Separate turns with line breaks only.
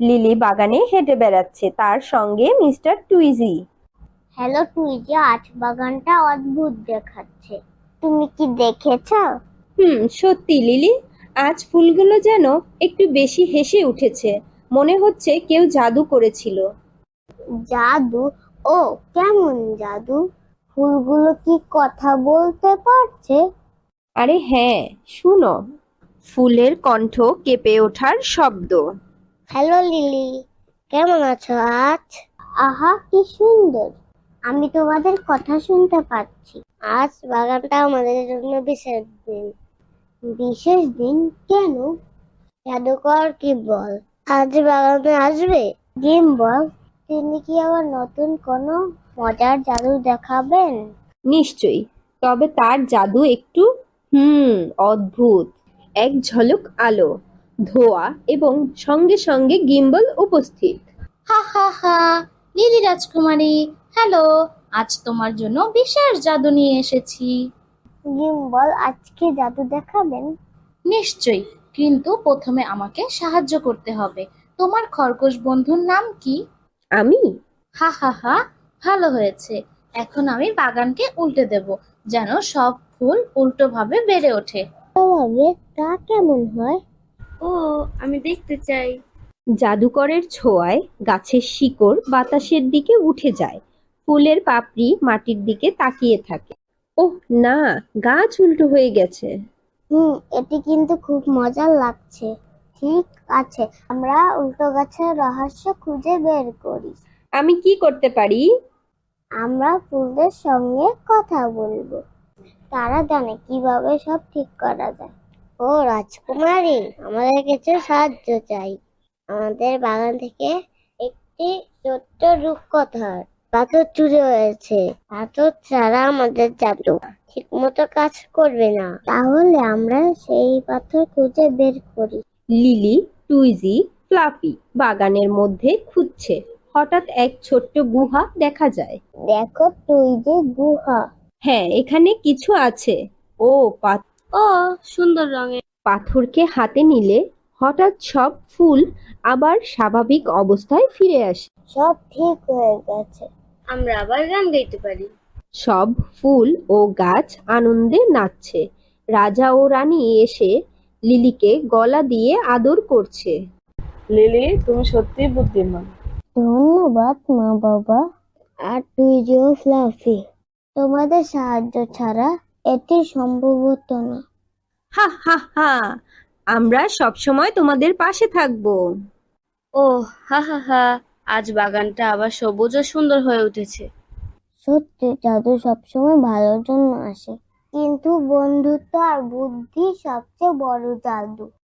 Lily বাগানে হেঁটে বেড়াচ্ছে, তার সঙ্গে মিস্টার টুইজি।
হ্যালো টুইজি, আজ বাগানটা অদ্ভুত দেখাচ্ছে। তুমি কি দেখেছো?
সত্যি লিলি, আজ ফুলগুলো যেন একটু বেশি হেসে উঠেছে। মনে হচ্ছে কেউ জাদু করেছিল।
জাদু? ও, কেমন জাদু? ফুলগুলো কি কথা বলতে পারছে?
আরে হ্যাঁ, শুনো, ফুলের কণ্ঠ কেঁপে ওঠার শব্দ।
হ্যালো লিলি, কেমন আছো আজ? আহা, কি সুন্দর! আমি তোমাদের কথা শুনতে পাচ্ছি। আজ বাগানটা আমাদের জন্য বিশেষ দিন। বিশেষ দিন কেন? জাদুকর কি বল আজ বাগানে আসবে? জিম বল, তিনি কি আবার নতুন কোনো মজার জাদু দেখাবেন?
নিশ্চয়ই, তবে তার জাদু একটু অদ্ভুত। এক ঝলক আলো, ধোঁয়া এবং সঙ্গে সঙ্গে গিম্বল উপস্থিত।
হা হা হা। লিলি রাজকুমারী, হ্যালো। আজ তোমার জন্য বিশেষ জাদু নিয়ে এসেছি।
জিম বল, আজকে জাদু দেখাবেন?
নিশ্চয়ই, কিন্তু প্রথমে আমাকে সাহায্য করতে হবে। তোমার খরগোশ বন্ধুর নাম কি?
আমি?
হা হা হা। ভালো হয়েছে। এখন আমি বাগানকে উল্টে দেব, যেন সব ফুল উল্টোভাবে বেড়ে ওঠে।
তবে তা কেমন হয়?
ও, আমি দেখতে চাই।
জাদুকরের ছোঁয়ায় গাছের শিকড় বাতাসের দিকে উঠে যায়, ফুলের পাপড়ি মাটির দিকে তাকিয়ে থাকে। ওহ না, গাছ উল্টো হয়ে গেছে।
এটি কিন্তু খুব মজার লাগছে। ঠিক আছে, আমরা উল্টো গাছের রহস্য খুঁজে বের করি।
আমি কি করতে পারি?
আমরা ফুলদের সঙ্গে কথা বলবো। তারা জানে কিভাবে সব ঠিক করা যায়। ও রাজকুমারী, আমাদের কিছু সাহায্য চাই। আমাদের বাগান থেকে একটি ছোট্ট রূপকথার পাথর চুরি হয়েছে। পাথর ছাড়া আমাদের জাদু ঠিক মতো কাজ করবে না। তাহলে আমরা সেই পাথর খুঁজে বের করি।
লিলি, টুইজি, ফ্লাফি বাগানের মধ্যে খুঁজছে। হঠাৎ এক ছোট্ট গুহা দেখা যায়।
দেখো তুই যে গুহা।
হ্যাঁ, এখানে কিছু আছে। ও
ও, সুন্দর রঙের।
পাথরকে হাতে নিলে হঠাৎ সব ফুল আবার স্বাভাবিক অবস্থায় ফিরে আসে।
সব ঠিক হয়ে গেছে।
আমরা আবার গান গাইতে পারি।
সব ফুল ও গাছ আনন্দে নাচছে। রাজা ও রানী এসে লিলিকে গলা দিয়ে আদর করছে।
লিলি, তুমি সত্যিই বুদ্ধিমান।
ধন্যবাদ মা বাবা। আর তুই যে ফ্লাফি, তোমাদের সাহায্য ছাড়া এটি সম্ভব হতো না।
হা হা হা, আমরা সবসময় তোমাদের পাশে থাকবো।
ওহ, হা হা হা। আজ বাগানটা আবার সবুজ ও সুন্দর হয়ে উঠেছে।
সত্যি জাদু সবসময় ভালোর জন্য আসে, কিন্তু বন্ধুত্ব আর বুদ্ধি সবচেয়ে বড় জাদু।